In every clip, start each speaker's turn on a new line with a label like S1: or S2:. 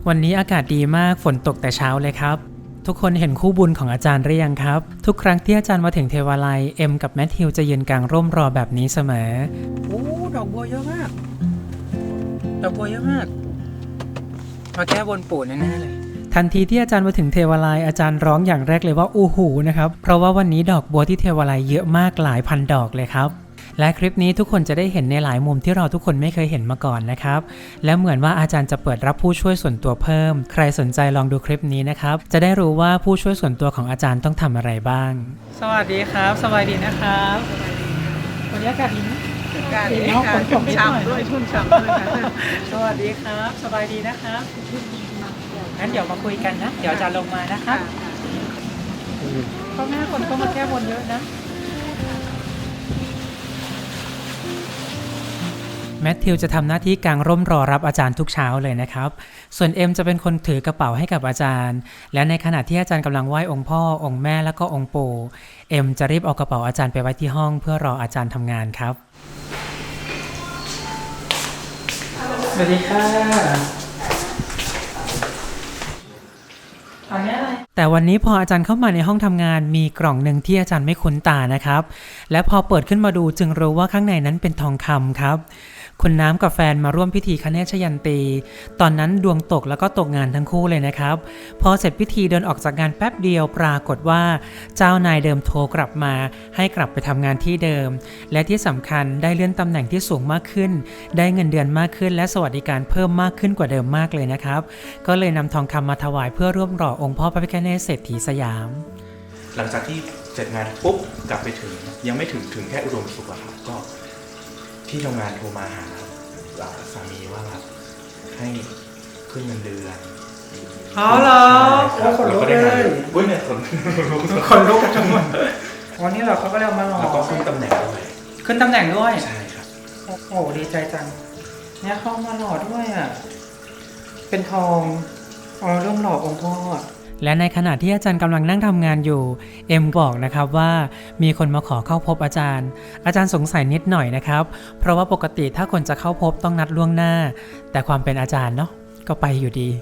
S1: วันนี้อากาศดีมากฝนตกแต่เช้าเลยครับทุกคนเห็นคู่บุญของอาจารย์หรือยังครับทุกครั้งที่อาจารย์มาถึงเทวาลัยเอ็มกับแมทธิวจะยืนกลางร่มรอแบบนี้เสมอโอ้ดอกบัวเยอะมากดอกบัวเยอะมากมาแก้บนปู่แน่ๆเลยทันทีที่อาจารย์มาถึงเทวาลัยอาจารย์ร้องอย่างแรกเลยว่าอู้หูนะครับเพราะว่าวันนี้ดอกบัวที่เทวาลัยเยอะมากหลายพันดอกเลยครับและคลิปนี้ทุกคนจะได้เห็นในหลายมุมที่เราทุกคนไม่เคยเห็นมาก่อนนะครับและเหมือนว่าอาจารย์จะเปิดรับผู้ช่วยส่วนตัวเพิ่มใครสนใจลองดูคลิปนี้นะครับจะได้รู้ว่าผู้ช่วยส่วนตัวของอาจารย์ต้องทำอะไรบ้างสวัสดีครับสบายดีนะครับวันนี้อากาศดีนะอากาศดีค่ะชุ่มฉ่ำด้วยชุ่มฉ่ำด้วยค่ะสวัสดีครับสบายดีนะครับงั้นเดี๋ยวมาคุยกันนะเดี๋ยวอาจารย์ลงมานะครับก็แม่คนก็มาแก้บนเยอะนะแมทธิวจะทำหน้าที่กางร่มรอรับอาจารย์ทุกเช้าเลยนะครับส่วนเอ็มจะเป็นคนถือกระเป๋าให้กับอาจารย์และในขณะที่อาจารย์กำลังไหว้องค์พ่อองค์แม่แล้วก็องค์ปู่เอ็มจะรีบเอากระเป๋าอาจารย์ไปไว้ที่ห้องเพื่อรออาจารย์ทำงานครับสวัสดีค่ะแต่วันนี้พออาจารย์เข้ามาในห้องทำงานมีกล่องหนึ่งที่อาจารย์ไม่คุ้นตานะครับและพอเปิดขึ้นมาดูจึงรู้ว่าข้างในนั้นเป็นทองคำครับคุณน้ำกับแฟนมาร่วมพิธีคเนศยันตีตอนนั้นดวงตกแล้วก็ตกงานทั้งคู่เลยนะครับพอเสร็จพิธีเดินออกจากงานแป๊บเดียวปรากฏว่าเจ้านายเดิมโทรกลับมาให้กลับไปทำงานที่เดิมและที่สำคัญได้เลื่อนตำแหน่งที่สูงมากขึ้นได้เงินเดือนมากขึ้นและสวัสดิการเพิ่มมากขึ้นกว่าเดิมมากเลยนะครับก็เลยนำทองคำมาถวายเพื่อร่วมรอองค์พ่อพระพิฆเนศเศรษฐีสยาม
S2: หลังจากที่เสร็จงานปุ๊บกลับไปถึงยังไม่ถึงแค่อุดมสุขอะครับก็ที่ทำงานโทรมาหาสามีว่าแบบให้ขึ้นเงินเดือน
S1: อ๋อเหรอคนลุกเลย
S2: อุ้ยเนี่ย
S1: คนลุกจังหวะวันนี้เราเขาก็เรียกมาหล่อ
S2: แล้วก็ขึ้นตำแหน่งด้วย
S1: ขึ้นตำแหน่งด้วย
S2: ใช่ครับ
S1: โอ้โหดีใจจังเนี่ยเข้ามาหล่อด้วยอ่ะเป็นทองเริ่มหล่อองค์พ่อและในขณะที่อาจารย์กำลังนั่งทำงานอยู่เอ็มบอกนะครับว่ามีคนมาขอเข้าพบอาจารย์สงสัยนิดหน่อยนะครับเพราะว่าปกติถ้าคนจะเข้าพบต้องนัดล่วงหน้าแต่ความเป็นอาจารย์เนาะก็ไปอยู่ดี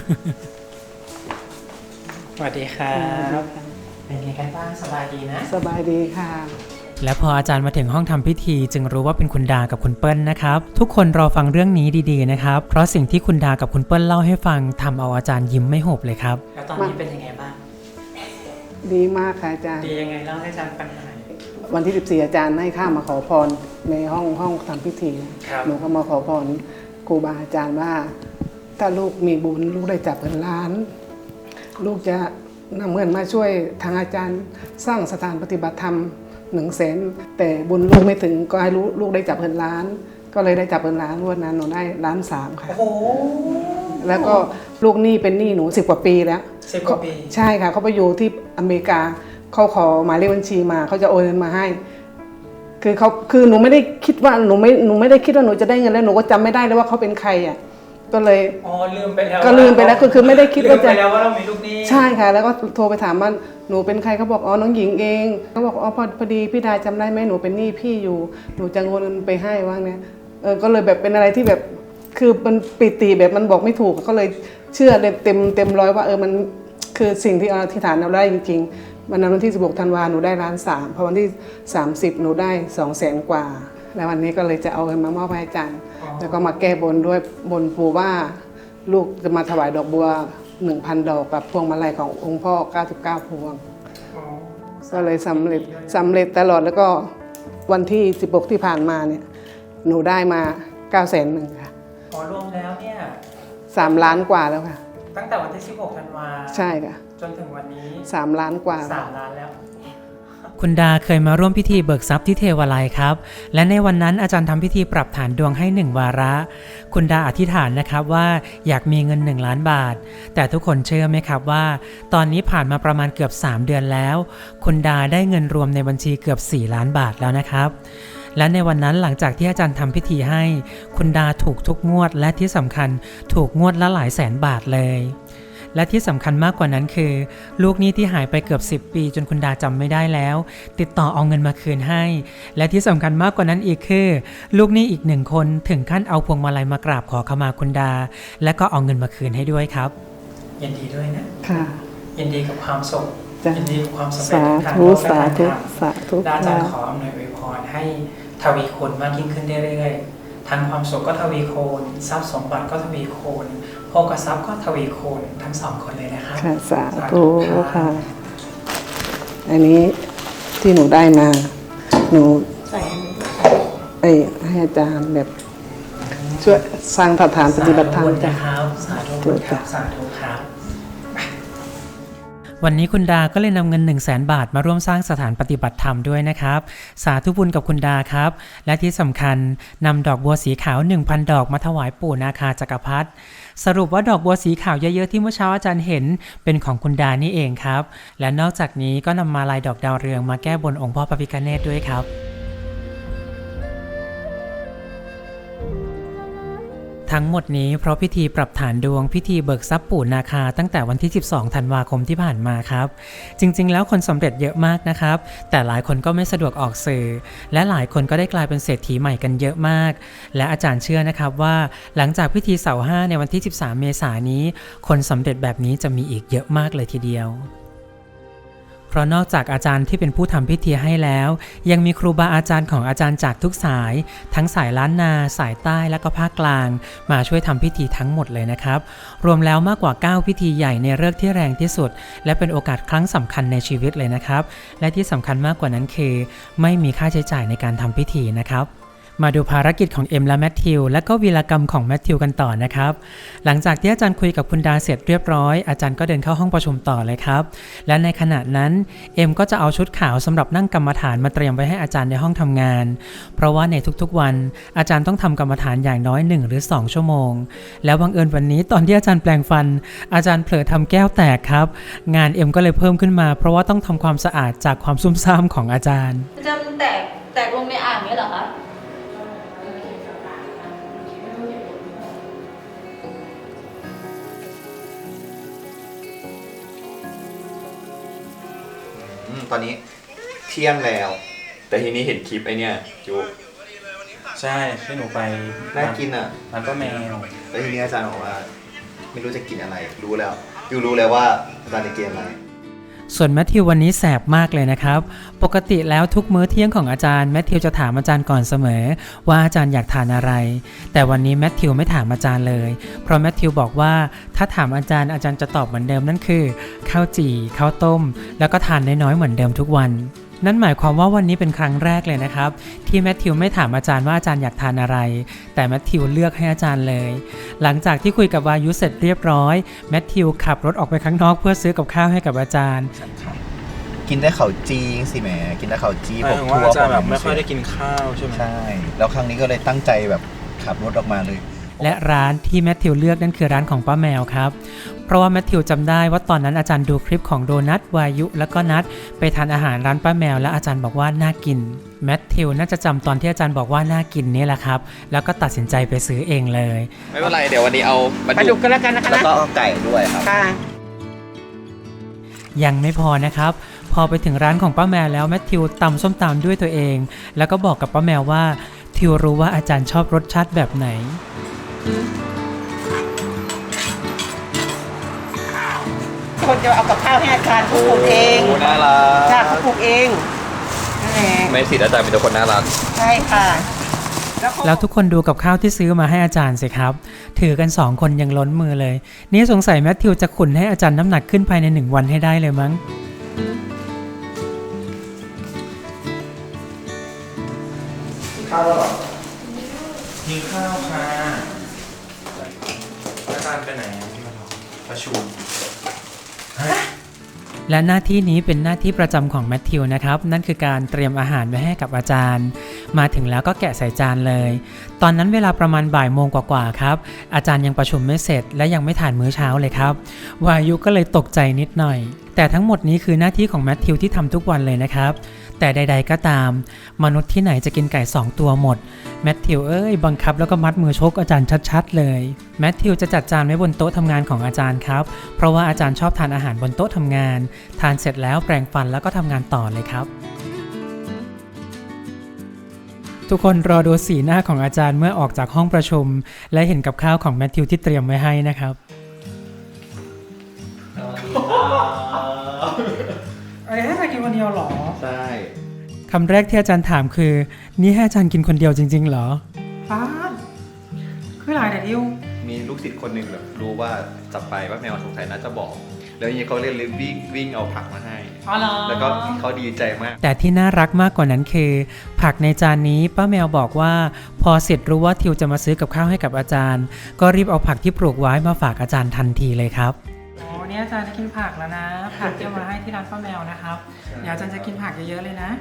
S1: สวัสดีครับเป็นไงกันบ้างสบายดีนะ
S3: สบายดีค่ะ
S1: และพออาจารย์มาถึงห้องทำพิธีจึงรู้ว่าเป็นคุณดากับคุณเปิ้ลนะครับทุกคนรอฟังเรื่องนี้ดีๆนะครับเพราะสิ่งที่คุณดากับคุณเปิ้ลเล่าให้ฟังทำเอาอาจารย์ยิ้มไม่หุบเลยครับแล้วตอนนี้เป็นยังไงบ้าง
S3: ดีมากค่ะอาจารย์
S1: ดียังไงเล่าให้อาจารย์ฟังหน่อย
S3: วันที่14อาจารย์ให้ข้ามาขอพรในห้องทำพิธีหนูก็มาขอพรครูบาอาจารย์ว่าถ้าลูกมีบุญลูกได้จับเงินล้านลูกจะนำเงินมาช่วยทางอาจารย์สร้างสถานปฏิบัติธรรม100,000แต่บุญลูกไม่ถึงก็ให้ลูกได้จับเงินล้านก็เลยได้จับเงินล้านวันนั้นหนูได้1.3 ล้านค่ะ
S1: โอ้
S3: แล้วก็ลูกหนี้เป็นหนี้หนู10 กว่าปีแล้ว
S1: 10 กว่าปี
S3: ใช่ค่ะเขาไปอยู่ที่อเมริกาเขาขอหมายเลขบัญชีมาเขาจะโอนเงินมาให้คือหนูไม่ได้คิดว่าหนูไม่ได้คิดว่าหนูจะได้เงินแล้วหนูก็จำไม่ได้เลยว่าเขาเป็นใครอ่ะก็เลย
S1: ลืมไปแล้ว
S3: ก็ลืมไปแล้วคือไม่ได้คิดว่าจะ
S1: ลืมไปแล้วว่าเรามีลูกหนี้
S3: ใช่ค่ะแล้วก็โทรไปถามว่าหนูเป็นใครเขาบอกน้องหญิงเองเขาบอกพอดีพี่ดาจำได้ไหมหนูเป็นหนี้พี่อยู่หนูจะโอนเงินไปให้ว่าเนี่ยก็เลยแบบเป็นอะไรที่แบบคือมันปิติแบบมันบอกไม่ถูกก็เลยเชื่อเต็มร้อยว่ามันคือสิ่งที่อธิษฐานเราได้จริงๆวันที่16 ธันวาหนูได้1.3 ล้านพอวันที่30หนูได้200,000 กว่าแล้ววันนี้ก็เลยจะเอาเงินมามอบให้อาจารย์แล้วก็มาแก้บนด้วยบนปู่ว่าลูกจะมาถวายดอกบัว 1,000 ดอกกับพวงมาลัยขององค์พ่อ99 พวงก็เลยสำเร็จตลอดแล้วก็วันที่16ที่ผ่านมาเนี่ยหนูได้มา900,000ค่ะ
S1: รวมแล้วเนี่ย
S3: 3 ล้านกว่าแล้วค่ะ
S1: ตั้งแต่วันที่16 ธันวา
S3: ใช่ค่ะ
S1: จนถึงวันนี้
S3: 3 ล้านกว่า
S1: 3 ล้านแล้วคุณดาเคยมาร่วมพิธีเบิกทรัพย์ที่เทวาลัยครับและในวันนั้นอาจารย์ทำพิธีปรับฐานดวงให้1 วาระคุณดาอธิษฐานนะครับว่าอยากมีเงิน1 ล้านบาทแต่ทุกคนเชื่อไหมครับว่าตอนนี้ผ่านมาประมาณเกือบ3 เดือนแล้วคุณดาได้เงินรวมในบัญชีเกือบ4 ล้านบาทแล้วนะครับและในวันนั้นหลังจากที่อาจารย์ทำพิธีให้คุณดาถูกทุกงวดและที่สำคัญถูกงวดละหลายแสนบาทเลยและที่สำคัญมากกว่านั้นคือลูกหนี้ที่หายไปเกือบ10 ปีจนคุณดาจำไม่ได้แล้วติดต่อเอาเงินมาคืนให้และที่สำคัญมากกว่านั้นอีกคือลูกหนี้อีก1 คนถึงขั้นเอาพวงมาลัยมากราบขอขมาคุณดาและก็เอาเงินมาคืนให้ด้วยครับยินดีด้วยนะ
S3: ค่ะ
S1: ยินดีกับความสุข
S3: จ้ะ
S1: ยินดีกับความสำเร็จ
S3: สา
S1: ทาง
S3: ธุ
S1: โลกและ
S3: สา
S1: ทาง
S3: ธุ
S1: ธรรม
S3: สาธุ
S1: และอาจารย์ข
S3: ค่ะ
S1: ออำนวยอวยพรให้ทวีคูณมากยิ่งขึ้นเรื่อยๆทั้งความสุขก็ทวีคูณทรัพย์สมบัติก็ทวีคูณโภคทรัพย์ก็ทวีคูณทั้ง2 คนเลยนะครับ
S3: ค่ะสาธุค่ะ อันนี้ที่หนูได้มา หนูให้อาจารย์แบบช่วยสร้างสถานปฏิบัติธรรม
S1: สาธุ
S3: จ้ะ
S1: นะครับสาธุบุญครับสาธุครับวันนี้คุณดาก็เลยนำเงิน 100,000 บาทมาร่วมสร้างสถานปฏิบัติธรรมด้วยนะครับสาธุบุญกับคุณดาครับและที่สำคัญนำดอกบัวสีขาว 1,000 ดอกมาถวายปู่นาคาจักรพรรดิสรุปว่าดอกบัวสีขาวเยอะๆที่เมื่อเช้าอาจารย์เห็นเป็นของคุณดานี่เองครับและนอกจากนี้ก็นำมาลายดอกดาวเรืองมาแก้บนองค์พ่อพระพิฆเนศด้วยครับทั้งหมดนี้เพราะพิธีปรับฐานดวงพิธีเบิกทรัพย์ปู่นาคาตั้งแต่วันที่ 12 ธันวาคมที่ผ่านมาครับจริงๆแล้วคนสำเร็จเยอะมากนะครับแต่หลายคนก็ไม่สะดวกออกสื่อและหลายคนก็ได้กลายเป็นเศรษฐีใหม่กันเยอะมากและอาจารย์เชื่อนะครับว่าหลังจากพิธีเสาห้าในวันที่ 13 เมษายนนี้คนสำเร็จแบบนี้จะมีอีกเยอะมากเลยทีเดียวเพราะนอกจากอาจารย์ที่เป็นผู้ทำพิธีให้แล้วยังมีครูบาอาจารย์ของอาจารย์จากทุกสายทั้งสายล้านนาสายใต้และก็ภาคกลางมาช่วยทำพิธีทั้งหมดเลยนะครับรวมแล้วมากกว่า9พิธีใหญ่ในฤกษ์ที่แรงที่สุดและเป็นโอกาสครั้งสำคัญในชีวิตเลยนะครับและที่สำคัญมากกว่านั้นคือไม่มีค่าใช้จ่ายในการทำพิธีนะครับมาดูภารกิจของเอ็มและแมทธิวและก็วีรกรรมของแมทธิวกันต่อนะครับหลังจากที่อาจารย์คุยกับคุณดาเสร็จเรียบร้อยอาจารย์ก็เดินเข้าห้องประชุมต่อเลยครับและในขณะนั้นเอ็มก็จะเอาชุดขาวสำหรับนั่งกรรมฐานมาเตรียมไว้ให้อาจารย์ในห้องทำงานเพราะว่าในทุกๆวันอาจารย์ต้องทำกรรมฐานอย่างน้อย1 หรือ 2 ชั่วโมงแล้วบังเอิญวันนี้ตอนที่อาจารย์แปลงฟันอาจารย์เผลอทำแก้วแตกครับงานเอ็มก็เลยเพิ่มขึ้นมาเพราะว่าต้องทำความสะอาดจากความซุ่มซ่ามของอาจารย์
S4: จะแตกลงในอ่างนี้เหรอคะ
S5: ตอนนี้เที่ยงแล้ว แต่ทีนี้เห็นคลิปไอเนี่ยจู
S2: ใช่ที่หนูไป
S5: น่ากินอ่ะ
S2: มันก็แมว
S5: แล้วทีนี้อาจารย์บอกว่า ไม่รู้จะกินอะไรรู้แล้วยูรู้แล้วว่าอาจารย์จะกินอะไร
S1: ส่วนแมทธิววันนี้แสบมากเลยนะครับปกติแล้วทุกมื้อเที่ยงของอาจารย์แมทธิวจะถามอาจารย์ก่อนเสมอว่าอาจารย์อยากทานอะไรแต่วันนี้แมทธิวไม่ถามอาจารย์เลยเพราะแมทธิวบอกว่าถ้าถามอาจารย์จะตอบเหมือนเดิมนั่นคือข้าวจี่ข้าวต้มแล้วก็ทานน้อยๆเหมือนเดิมทุกวันนั่นหมายความว่าวันนี้เป็นครั้งแรกเลยนะครับที่แมทธิวไม่ถามอาจารย์ว่าอาจารย์อยากทานอะไรแต่แมทธิวเลือกให้อาจารย์เลยหลังจากที่คุยกับวายุเสร็จเรียบร้อยแมทธิวขับรถออกไปข้างนอกเพื่อซื้อกับข้าวให้กับอาจารย์
S5: กินได้เขาจีสิแหมกินได้เขาจีผม
S2: ว่า
S5: ทั่ว
S2: อาจารย์แบบไม่ค่อยได้กินข้าวใช่ไหม
S5: ใช่แล้วครั้งนี้ก็เลยตั้งใจแบบขับรถออกมาเลย
S1: และร้านที่แมทธิวเลือกนั่นคือร้านของป้าแมวครับเพราะว่าแมทธิวจำได้ว่าตอนนั้นอาจารย์ดูคลิปของโดนัทวายุแล้วก็นัทไปทานอาหารร้านป้าแมวและอาจารย์บอกว่าน่ากินแมทธิวน่าจะจำตอนที่อาจารย์บอกว่าน่ากินนี่แหละครับแล้วก็ตัดสินใจไปซื้อเองเลย
S5: ไม่เป็นไรเดี๋ยววันนี้เอาปลาดุกกันแล้วกันนะคะแล้วก็เอาไก่ด้วยครับ
S1: ยังไม่พอนะครับพอไปถึงร้านของป้าแมวแล้วแมทธิวตำส้มตำด้วยตัวเองแล้วก็บอกกับป้าแมวว่าทิวรู้ว่าอาจารย์ชอบรสชาติแบบไหน
S6: คนจะเอากับข้าวให้อาจารย์เขาปลูกเอง
S5: น่ารัก
S6: จ้าเขาปลูกเอง
S5: ไม่สิอาจารย์เป็นตัวคนน่ารัก
S6: ใช่ค่ะ
S1: แล้วทุกคนดูกับข้าวที่ซื้อมาให้อาจารย์สิครับถือกัน2 คนยังล้นมือเลยนี่สงสัยแมทธิวจะขุนให้อาจารย์น้ำหนักขึ้นภายใน1 วันให้ได้เลยมั้ง
S2: ข้าวแล้วหรอกินข้าวค่ะอาจารย์ไปไหนประชุม
S1: และหน้าที่นี้เป็นหน้าที่ประจำของแมทธิวนะครับนั่นคือการเตรียมอาหารไว้ให้กับอาจารย์มาถึงแล้วก็แกะใส่จานเลยตอนนั้นเวลาประมาณบ่ายโมงกว่าๆครับอาจารย์ยังประชุมไม่เสร็จและยังไม่ทานมื้อเช้าเลยครับวายุก็เลยตกใจนิดหน่อยแต่ทั้งหมดนี้คือหน้าที่ของแมทธิวที่ทำทุกวันเลยนะครับแต่ใดๆก็ตามมนุษย์ที่ไหนจะกินไก่2ตัวหมดแมทธิวบังคับแล้วก็มัดมือชกอาจารย์ชัดๆเลยแมทธิวจะจัดจานไว้บนโต๊ะทำงานของอาจารย์ครับเพราะว่าอาจารย์ชอบทานอาหารบนโต๊ะทำงานทานเสร็จแล้วแปรงฟันแล้วก็ทำงานต่อเลยครับทุกคนรอดูสีหน้าของอาจารย์เมื่อออกจากห้องประชุมและเห็นกับข้าวของแมทธิวที่เตรียมไว้ให้นะครับอะไรให้อาจารย์กินคนเดียวหรอ
S5: ใช่
S1: คำแรกที่อาจารย์ถามคือนี่ให้อาจารย์กินคนเดียวจริงๆเหรอป้าคือหลายแต่ดิว
S5: มีลูกศิษย์คนหนึ่งแบบรู้ว่าจะไปว่าแมวสงสัยน่าจะบอกแล้วยังเขาเรียนวิ่งเอาผักมาให้แล้วก็เขาดีใจมาก
S1: แต่ที่น่ารักมากกว่านั้นคือผักในจานนี้ป้าแมวบอกว่าพอเสร็จรู้ว่าทิวจะมาซื้อกับข้าวให้กับอาจารย์ก็รีบเอาผักที่ปลูกไว้มาฝากอาจารย์ทันทีเลยครับอ๋อเนี่ยอาจารย์จะกินผักแล้วนะผักที่เอามาให้ที่ร้านป้าแมวนะครับเดี๋ยวอาจารย์จะกินผักเยอะๆเลยนะ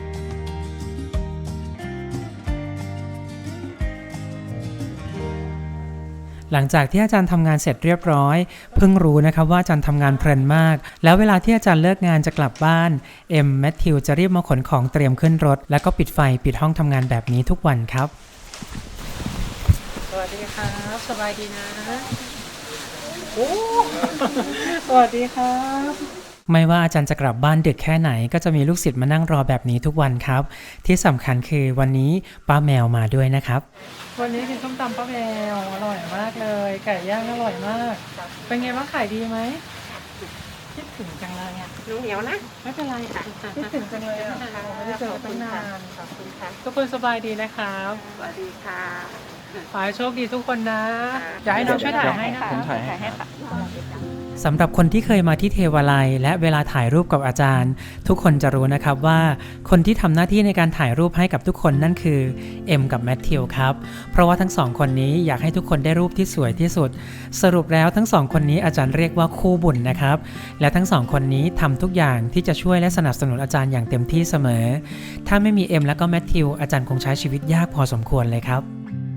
S1: หลังจากที่อาจารย์ทำงานเสร็จเรียบร้อยเพิ่งรู้นะครับว่าอาจารย์ทำงานเพลินมากแล้วเวลาที่อาจารย์เลิกงานจะกลับบ้านแมทธิวจะรีบมาขนของเตรียมขึ้นรถแล้วก็ปิดไฟปิดห้องทำงานแบบนี้ทุกวันครับสวัสดีครับสบายดีนะโอ้สวัสดีครับไม่ว่าอาจารย์จะกลับบ้านดึกแค่ไหนก็จะมีลูกศิษย์มานั่งรอแบบนี้ทุกวันครับที่สำคัญคือวันนี้ป้าแมวมาด้วยนะครับวันนี้กินส้มตำป้าแมวอร่อยมากเลยไก่ย่างอร่อยมากเป็นไงบ้างขายดีไหมคิดถึงจังเลยอ่ะ
S6: หนูเหนียวนะ
S1: ไม่เป็นไรค่ะคิดถึงจังเลยอ่ะไม่ได้เจอกันตั้งนานขอบคุณค่ะทุกคนสบายดีนะครับ
S6: สวัสดีค่ะ
S1: ขอให้โชคดีทุกคนนะอยากให้น้องช่วยถ่ายให้นะคะ
S2: ผมถ่ายให้
S6: ค่ะ
S1: สำหรับคนที่เคยมาที่เทวาลัยและเวลาถ่ายรูปกับอาจารย์ทุกคนจะรู้นะครับว่าคนที่ทำหน้าที่ในการถ่ายรูปให้กับทุกคนนั่นคือกับแมทธิวครับเพราะว่าทั้งสองคนนี้อยากให้ทุกคนได้รูปที่สวยที่สุดสรุปแล้วทั้งสองคนนี้อาจารย์เรียกว่าคู่บุญนะครับและทั้งสองคนนี้ทำทุกอย่างที่จะช่วยและสนับสนุนอาจารย์อย่างเต็มที่เสมอถ้าไม่มีและก็แมทธิวอาจารย์คงใช้ชีวิตยากพอสมควรเลยครับ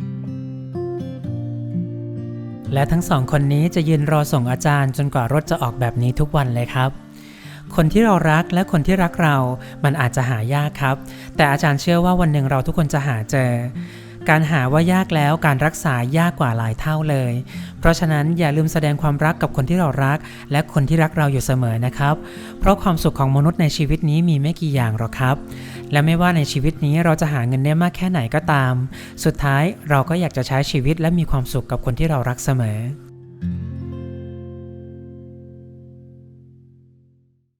S1: และทั้งสองคนนี้จะยืนรอส่งอาจารย์จนกว่ารถจะออกแบบนี้ทุกวันเลยครับคนที่เรารักและคนที่รักเรามันอาจจะหายากครับแต่อาจารย์เชื่อว่าวันหนึ่งเราทุกคนจะหาเจอการหาว่ายากแล้วการรักษายากกว่าหลายเท่าเลยเพราะฉะนั้นอย่าลืมแสดงความรักกับคนที่เรารักและคนที่รักเราอยู่เสมอนะครับเพราะความสุขของมนุษย์ในชีวิตนี้มีไม่กี่อย่างหรอกครับและไม่ว่าในชีวิตนี้เราจะหาเงินได้มากแค่ไหนก็ตามสุดท้ายเราก็อยากจะใช้ชีวิตและมีความสุขกับคนที่เรารักเสมอ